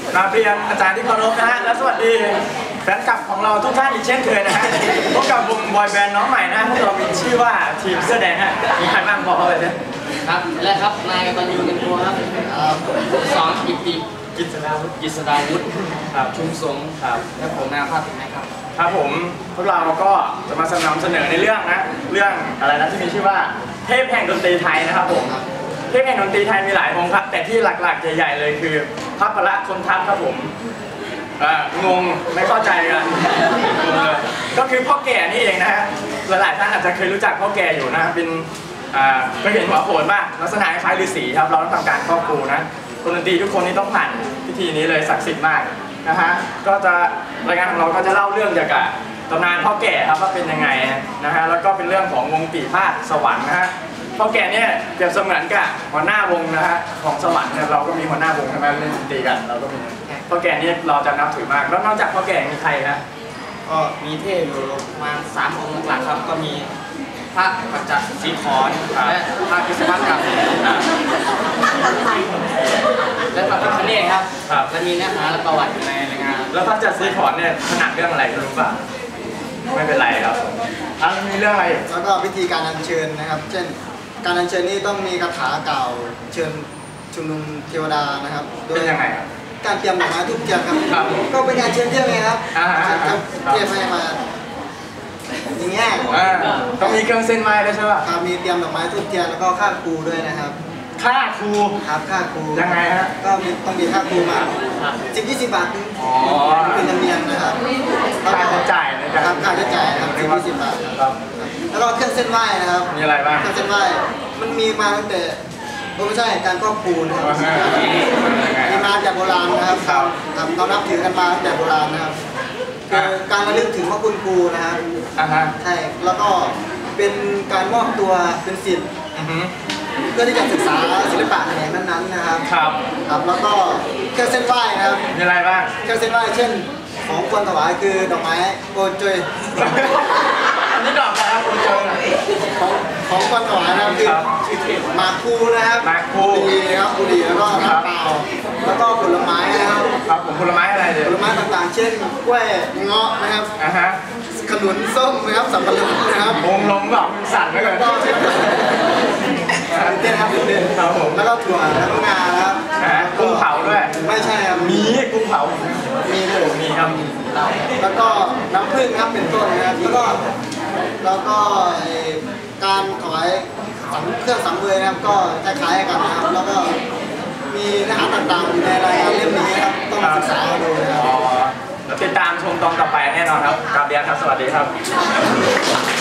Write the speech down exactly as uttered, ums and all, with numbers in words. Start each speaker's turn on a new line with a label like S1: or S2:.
S1: กราบเรียนอาจารย์ที่เคารพนะฮะและสวัสดีแฟนคลับของเราทุกท่านอีกเช่นเคยนะฮะพบกับวงบอยแบนด์น้องใหม่นะพวกเรามีชื่อว่าทีมเสื้อแดงฮะมีใครบ้างบอกเขาเลยนะครับ
S2: และครับนายกตันยูเงินตัวครับสอนกิติกิษดาวุฒิกิษดาวุฒิครับชุมสงครับและผมนายภาพถึงไหมครับ
S1: ครับผมพวกเราก็จะมานำเสนอในเรื่องนะเรื่องอะไรนะที่มีชื่อว่าเทพแห่งดนตรีไทยนะครับผมเทพแห่งดนตรีไทยมีหลายวงครับแต่ที่หลักๆใหญ่ๆเลยคือพระพละคนทัพครับผมงงไม่เข้าใจกันก็คือพ่อแก่นี่เองนะฮะหลายๆท่านอาจจะเคยรู้จักพ่อแก่อยู่นะเป็นเคยเห็นหัวโขนป่ะลักษณะคล้ายฤาษีครับเราต้องทำการครอบครูนะคนดนตรีทุกคนนี่ต้องผ่านพิธีนี้เลยศักดิ์สิทธิ์มากนะฮะก็จะรายงานของเราก็จะเล่าเรื่องเกี่ยวกับตำนานพ่อแก่ครับว่าเป็นยังไงนะฮะแล้วก็เป็นเรื่องของวงปีพาดสวรรค์นะฮะพ่อแก่เนี่ยเปรียบเสมือนกับหัวหน้าวงนะฮะของสวรรค์เนี่ยเราก็มีหัวหน้าวงใช่ไหมเล่นดนตรีกันเราก็มีพ่อแก่นี่เราจะนับถือมากแล้วนอกจากพ่อแก่มีใครนะ
S2: ก็มีเทพอยู่ประมาณสามองค์หลักครับก็มีพระปัจจศีขรและพระพิสมัติกับและพระพิฆเนศครับและมีเนื้อหาและประวัติอยู่ในรายงาน
S1: แล้วพระปัจจศีขรเนี่ยถนัดเรื่องอะไรรู้ป่ะไม่เป็นไรครับอ่ะมีเรื่องอะไร
S3: แล้วก็วิธีการอัญเชิญนะครับเช่นการอัญเชิญนี้ต้องมีคาถากล่าวเชิญชุมนุมเทวดานะครับ
S1: เป็นยังไงครับ
S3: การเตรียมดอกไม้ทุกเทียนครับก็เป็นการเชิญเทียนไงครับเทียนให้มาอย่างเงี้ย
S1: ต้องมีเครื่องเส้นไม้ด้วยใช่ป่ะ
S3: มีเตรียมดอกไม้ทุกเทียนแล้วก็ค่าครูด้วยนะครับ
S1: ค่าครู
S3: ครับค่าครู
S1: ยังไงฮะ
S3: ก็มีต้องมีค่าครูมาสิบยี่สิบบาทอ๋อเป็นธรรมเนียมนะครับ
S1: ค่าใช้จ่าย
S3: นะครับค่าใช้จ่ายครับสิบยี่สิบบาทครับแล้วก็เครื่องเส้นไหว้นะครับ
S1: มีอะไรบ้าง
S3: เครื่องเส้นไหว้มันมีมาตั้งแต่ไม่ใช่การครอบครูนะครับมีมาจากโบราณนะครับเรานับถือกันมาตั้งแต่โบราณนะครับคือการระลึกถึงพระคุณครูนะครับใช่แล้วก็เป็นการมอบตัวเป็นศิษย์เพื่อที่จะศึกษาศิลปะแขนงนั้นๆนะครับ
S1: ครับ
S3: ครับแล้วก็เครื่องเส้นไหว้นะครับ
S1: มีอะไรบ้าง
S3: เครื่องเส้นไหว้เช่นของควรถวายคือดอกไม้โกจย
S1: อันนี้ดอกอะไรครับโกจย
S3: ของของควรถวายนะครับคือหมากคูนะครับ
S1: หมากคู
S3: ดีครับบุหรี่แล้วก็น้ำเปล่าแล้วก็ผลไม้นะครับ
S1: ครับผมผลไม้อะไรเดี๋ยว
S3: ผลไม้ต่างๆเช่นกล้วยเงาะนะครับ
S1: อ่าฮะ
S3: ขนุนส้มนะครับสับปะรดนะครับ
S1: วงลงแบบมันสั่นเลย
S3: ก็เต้นครับเต้น
S1: ครับผม
S3: แล้วก็ถั่วแล้วก็งาครับ
S1: กุ้งเผาด้วย
S3: ไม่ใช่ครับ
S1: มีกุ้งเผา
S3: มีด้วย
S1: มีครับ
S3: แล้วก็น้ำผึ้งครับเป็นต้นนะครับแล้วก็แล้วก็การถวายเครื่องสังเวยนะครับก็คล้ายๆกันนะครับแล้วก็มีเนื้อหาต่างๆอยู่ในรายงานเล่มนี้ครับต้องศึกษาดูนะครับ
S1: แล้วติดตามชมตอนต่อไปแน่นอนครับกราบเรียนครับสวัสดีครับ